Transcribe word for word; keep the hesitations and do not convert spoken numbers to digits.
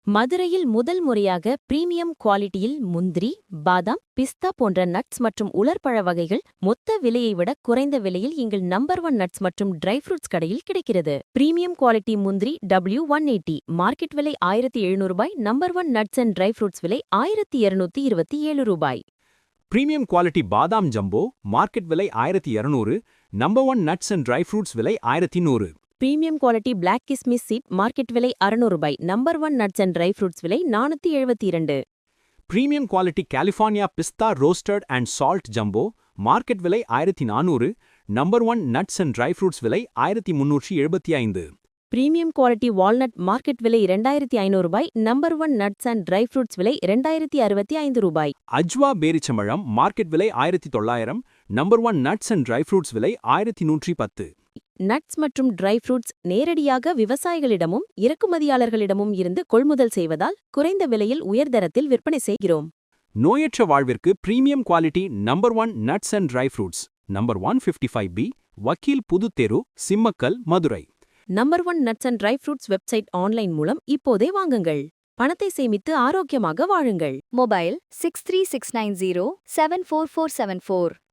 மதுரையில் முதல் முறையாக பிரீமியம் குவாலிட்டியில் முந்திரி, பாதாம், பிஸ்தா போன்ற நட்ஸ் மற்றும் உலர்பழ வகைகள் மொத்த விலையை விட குறைந்த விலையில் எங்கள் நம்பர் ஒன் நட்ஸ் மற்றும் ட்ரை ஃப்ரூட்ஸ் கடையில் கிடைக்கிறது. பிரீமியம் குவாலிட்டி முந்திரி டபிள்யூ ஒன் எயிட்டி மார்க்கெட் விலை ஆயிரத்தி எழுநூறு ரூபாய். Number one nuts and dry fruits விலை ஆயிரத்தி இருநூத்தி இருபத்தி ஏழு ரூபாய். பிரீமியம் குவாலிட்டி பாதாம் ஜம்போ மார்க்கெட் விலை ஆயிரத்தி இருநூறு. Number one nuts and dry fruits விலை ஆயிரத்தி நூறு. பிரீமியம் குவாலிட்டி பிளாக் கிஸ்மிஸ் சீட் மார்க்கெட் விலை அறுநூறு ரூபாய். Number one nuts and dry fruits விலை நானூத்தி எழுபத்தி இரண்டு. பிரீமியம் குவாலிட்டி கலிஃபோர்னியா பிஸ்தா roasted and salt jumbo market விலை ஆயிரத்தி நானூறு. Number one nuts and dry fruits விலை ஆயிரத்தி முன்னூற்றி எழுபத்தி ஐந்து. பிரீமியம் குவாலிட்டி வால்நட் மார்க்கெட் விலை இரண்டாயிரத்தி ஐநூறு ரூபாய். Number one nuts and dry fruits விலை இரண்டாயிரத்தி அறுபத்தி ஐந்து ரூபாய். அஜ்வா பேரிச்சம்பழம் மார்க்கெட் விலை ஆயிரத்தி தொள்ளாயிரம். Number one nuts and dry fruits விலை ஆயிரத்தி நூற்றி பத்து. நட்ஸ் மற்றும் ட்ரை ஃப்ரூட்ஸ் நேரடியாக விவசாயிகளிடமும் இறக்குமதியாளர்களிடமும் இருந்து கொள்முதல் செய்வதால் குறைந்த விலையில் உயர்தரத்தில் விற்பனை செய்கிறோம். நோயற்ற வாழ்விற்கு premium quality number one nuts and dry fruits number one fifty five B வக்கீல் Puthutheru, Simmakkal, Madurai. Number one nuts and dry fruits website online மூலம் இப்போதே வாங்குங்கள். பணத்தை சேமித்து ஆரோக்கியமாக வாழுங்கள். Mobile six three six nine zero seven four four seven four.